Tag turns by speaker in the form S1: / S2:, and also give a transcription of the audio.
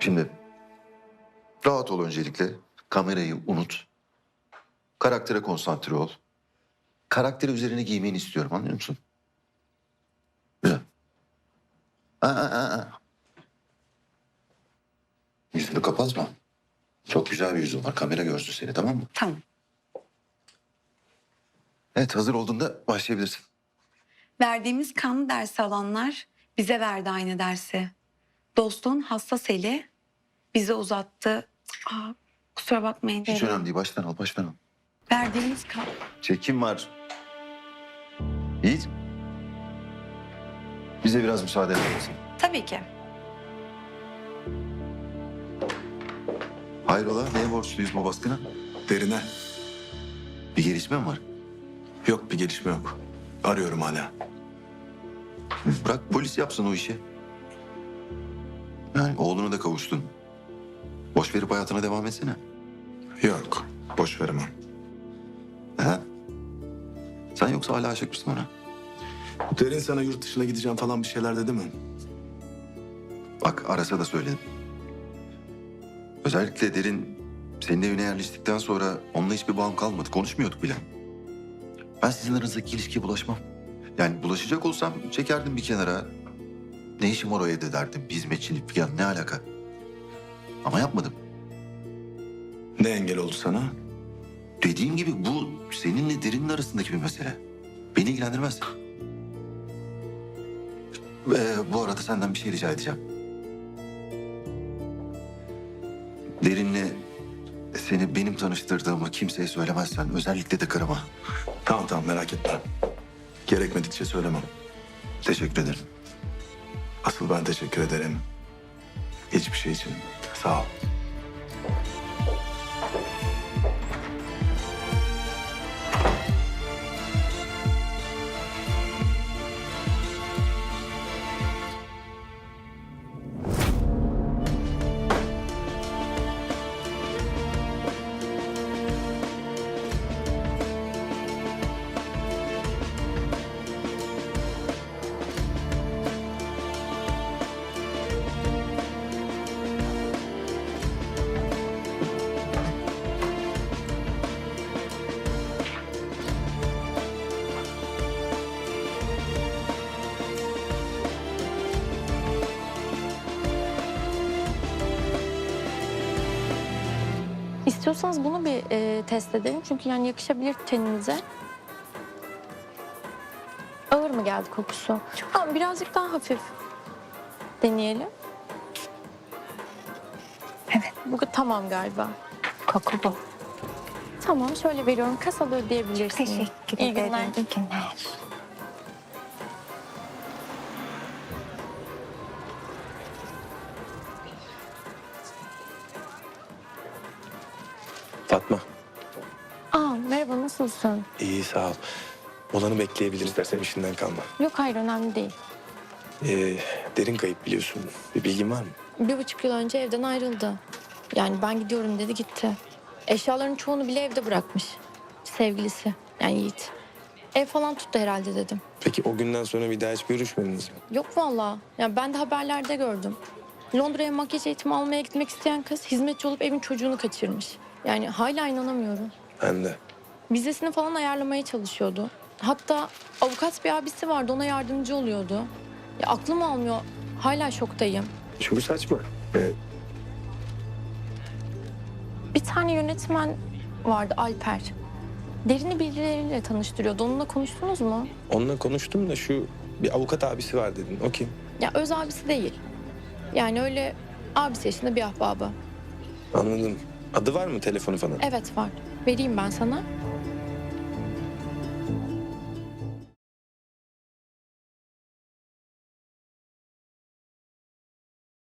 S1: Şimdi rahat ol öncelikle. Kamerayı unut. Karaktere konsantre ol. Karakteri üzerine giymeni istiyorum, anlıyor musun? Güzel. Aa. Yüzünü kapatma. Çok güzel bir yüzün var. Kamera görsün seni, tamam mı?
S2: Tamam.
S1: Evet, hazır olduğunda başlayabilirsin.
S2: Verdiğimiz kanlı dersi alanlar bize verdi aynı dersi. Dostluğun hassas eli bize uzattı. Kusura bakmayın.
S1: Hiç önemli değil. Baştan al, baştan al.
S2: Verdiğimiz kan...
S1: Çekim var. Yiğit. Bize biraz müsaade eder misin?
S2: Tabii ki.
S1: Hayrola, neye borçluyuz bu baskına?
S3: Derine.
S1: Bir gelişme mi var?
S3: Yok, bir gelişme yok. Arıyorum hala.
S1: Bırak polis yapsın o işi. Yani oğluna da kavuştun. Boş verip hayatına devam etsene.
S3: Yok, boş veremem.
S1: He? Sen yoksa hala aşık mısın ona?
S3: Derin sana yurt dışına gideceğim falan bir şeyler dedi mi?
S1: Bak arasa da söyledim. Özellikle Derin senin evine yerleştikten sonra onunla hiçbir bağım kalmadı. Konuşmuyorduk bile. Ben sizin aranızdaki ilişkiye bulaşmam. Yani bulaşacak olsam çekerdim bir kenara. Ne işim var o evde derdim. Bir hizmetçilik falan ne alaka? Ama yapmadım.
S3: Ne engel oldu sana?
S1: Dediğim gibi bu seninle Derin'in arasındaki bir mesele. Beni ilgilendirmez. Bu arada senden bir şey rica edeceğim. Derin'le seni benim tanıştırdığımı kimseye söylemezsen özellikle de karıma.
S3: Tamam merak etme. Gerekmedikçe söylemem.
S1: Teşekkür ederim.
S3: Asıl ben teşekkür ederim. Hiçbir şey için. Sağ ol.
S4: İstiyorsanız bunu bir test edelim. Çünkü yani yakışabilir teninize. Ağır mı geldi kokusu? Tamam, birazcık daha hafif deneyelim.
S2: Evet.
S4: Bu tamam galiba.
S2: Koku bu.
S4: Tamam, şöyle veriyorum. Kasada ödeyebilirsiniz.
S2: Teşekkür
S4: İyi
S2: ederim.
S4: günler.
S2: İyi günler.
S5: Fatma,
S4: Merhaba, nasılsın?
S5: iyi sağ ol. Olanı bekleyebiliriz dersen işinden kalma.
S4: Yok, hayır, önemli değil.
S5: Derin kayıp biliyorsun. Bir bilgin var mı?
S4: 1,5 yıl önce evden ayrıldı. Yani ben gidiyorum dedi, gitti. Eşyaların çoğunu bile evde bırakmış. Sevgilisi, yani Yiğit. Ev falan tuttu herhalde dedim.
S5: Peki o günden sonra bir daha hiç görüşmediniz mi?
S4: Yok vallahi. Yani ben de haberlerde gördüm. Londra'ya makyaj eğitimi almaya gitmek isteyen kız hizmetçi olup evin çocuğunu kaçırmış. Yani hala inanamıyorum.
S5: Ben de.
S4: Vizesini falan ayarlamaya çalışıyordu. Hatta avukat bir abisi vardı, ona yardımcı oluyordu. Ya aklım almıyor. Hala şoktayım.
S5: Çünkü saçma.
S4: Bir tane yönetmen vardı, Alper. Derin'i birileriyle tanıştırıyordu. Onunla konuştunuz mu?
S5: Onunla konuştum da şu bir avukat abisi var dedin. O kim?
S4: Ya öz abisi değil. Yani öyle abisi yaşında bir ahbabı.
S5: Anladım. Adı var mı, telefonu falan?
S4: Evet var. Vereyim ben sana.